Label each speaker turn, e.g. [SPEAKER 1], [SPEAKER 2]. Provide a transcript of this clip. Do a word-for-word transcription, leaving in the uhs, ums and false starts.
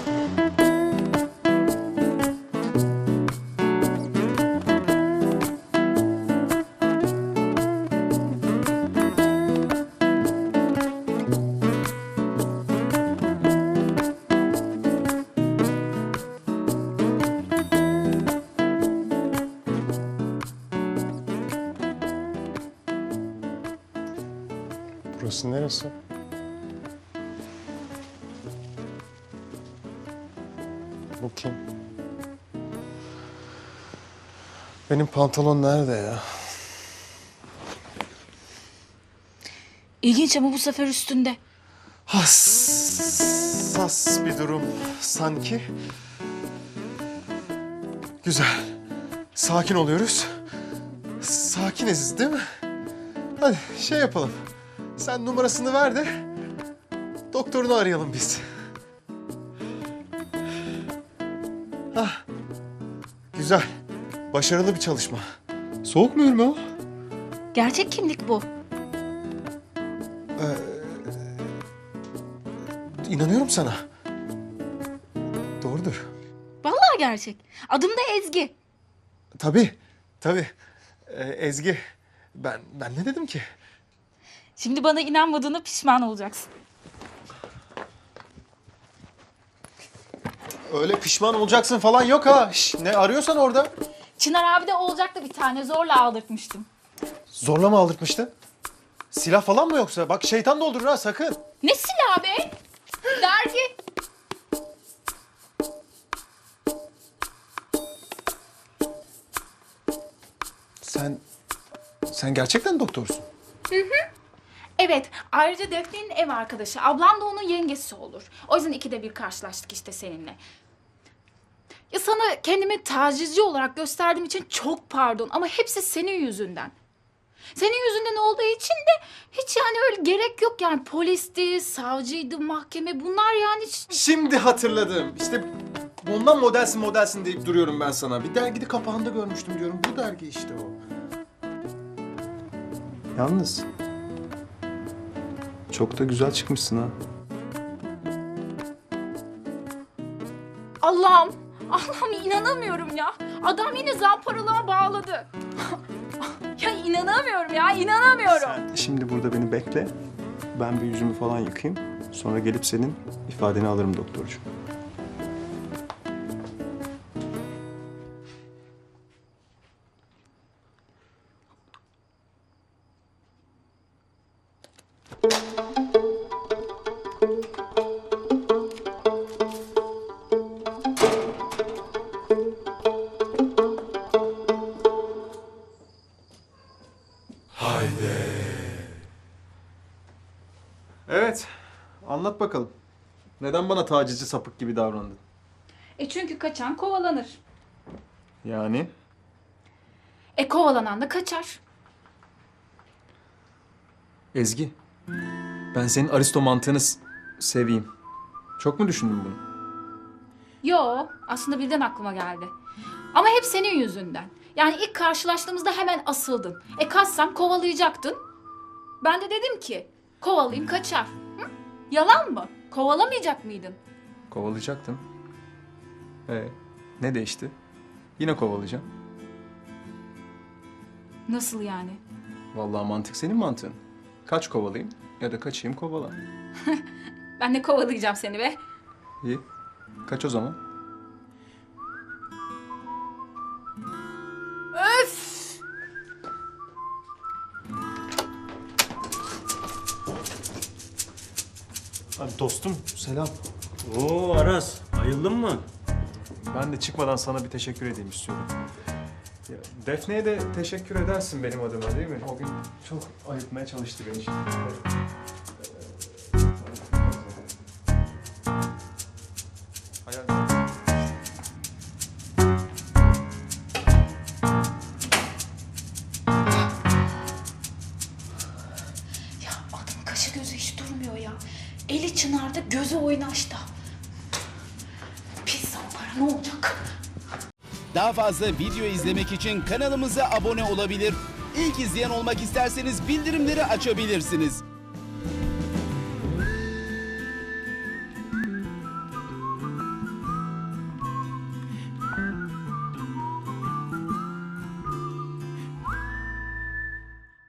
[SPEAKER 1] Burası neresi? Bu kim? Benim pantolon nerede ya?
[SPEAKER 2] İlginç ama bu sefer üstünde.
[SPEAKER 1] Hassas bir durum sanki. Güzel. Sakin oluyoruz. Sakiniz değil mi? Hadi şey yapalım. Sen numarasını ver de doktorunu arayalım biz. Hah. Güzel. Başarılı bir çalışma. Soğuk mu Ürme o?
[SPEAKER 2] Gerçek kimlik bu.
[SPEAKER 1] İnanıyorum sana. Doğrudur.
[SPEAKER 2] Vallahi gerçek. Adım da Ezgi.
[SPEAKER 1] Tabii, tabii. Ee, Ezgi, ben ben ne dedim ki?
[SPEAKER 2] Şimdi bana inanmadığına pişman olacaksın.
[SPEAKER 1] Öyle pişman olacaksın falan yok ha. Şş, ne arıyorsan orada.
[SPEAKER 2] Çınar abi de olacaktı bir tane. Zorla aldırtmıştım.
[SPEAKER 1] Zorla mı aldırtmıştı? Silah falan mı yoksa? Bak şeytan doldurur ha sakın.
[SPEAKER 2] Ne silahı be? Dergi.
[SPEAKER 1] Sen, sen gerçekten doktorsun.
[SPEAKER 2] Evet. Ayrıca Defne'nin ev arkadaşı. Ablam da onun yengesi olur. O yüzden ikide bir karşılaştık işte seninle. Ya sana kendimi tacizci olarak gösterdiğim için çok pardon. Ama hepsi senin yüzünden. Senin yüzünden olduğu için de hiç yani öyle gerek yok yani. Polisti, savcıydı, mahkeme bunlar yani hiç...
[SPEAKER 1] Şimdi hatırladım. İşte bundan modelsin modelsin deyip duruyorum ben sana. Bir dergide kapağında görmüştüm diyorum. Bu dergi işte o. Yalnız çok da güzel çıkmışsın ha.
[SPEAKER 2] Allah'ım, Allah'ım inanamıyorum ya. Adam yine zamparalığa bağladı. Ya inanamıyorum ya, inanamıyorum.
[SPEAKER 3] Sen şimdi burada beni bekle. Ben bir yüzümü falan yıkayayım. Sonra gelip senin ifadeni alırım doktorcuğum.
[SPEAKER 1] Evet. Anlat bakalım. Neden bana tacizci sapık gibi davrandın?
[SPEAKER 2] E çünkü kaçan kovalanır.
[SPEAKER 1] Yani?
[SPEAKER 2] E kovalanan da kaçar.
[SPEAKER 1] Ezgi, ben senin Aristo mantığını s- seveyim. Çok mu düşündün bunu?
[SPEAKER 2] Yo, aslında birden aklıma geldi. Ama hep senin yüzünden. Yani ilk karşılaştığımızda hemen asıldın. E kaçsam kovalayacaktın. Ben de dedim ki kovalayayım kaçar. Hı? Yalan mı? Kovalamayacak mıydın?
[SPEAKER 1] Kovalayacaktım. Ee, ne değişti? Yine kovalayacağım.
[SPEAKER 2] Nasıl yani?
[SPEAKER 1] Vallahi mantık senin mantığın. Kaç kovalayayım ya da kaçayım kovala.
[SPEAKER 2] Ben de kovalayacağım seni be.
[SPEAKER 1] İyi. Kaç o zaman?
[SPEAKER 2] Öf!
[SPEAKER 1] Abi dostum selam.
[SPEAKER 4] Oo Aras, ayıldın mı?
[SPEAKER 1] Ben de çıkmadan sana bir teşekkür edeyim istiyorum. Ya, Defne'ye de teşekkür edersin benim adıma değil mi? O gün çok ayırtmaya çalıştı beni şimdi. Hayal.
[SPEAKER 2] Ya adamın kaşı gözü hiç durmuyor ya. Eli çınarda, gözü oynaşta. Pis zampara ne olacak?
[SPEAKER 5] Daha fazla video izlemek için kanalımıza abone olabilir. İlk izleyen olmak isterseniz bildirimleri açabilirsiniz.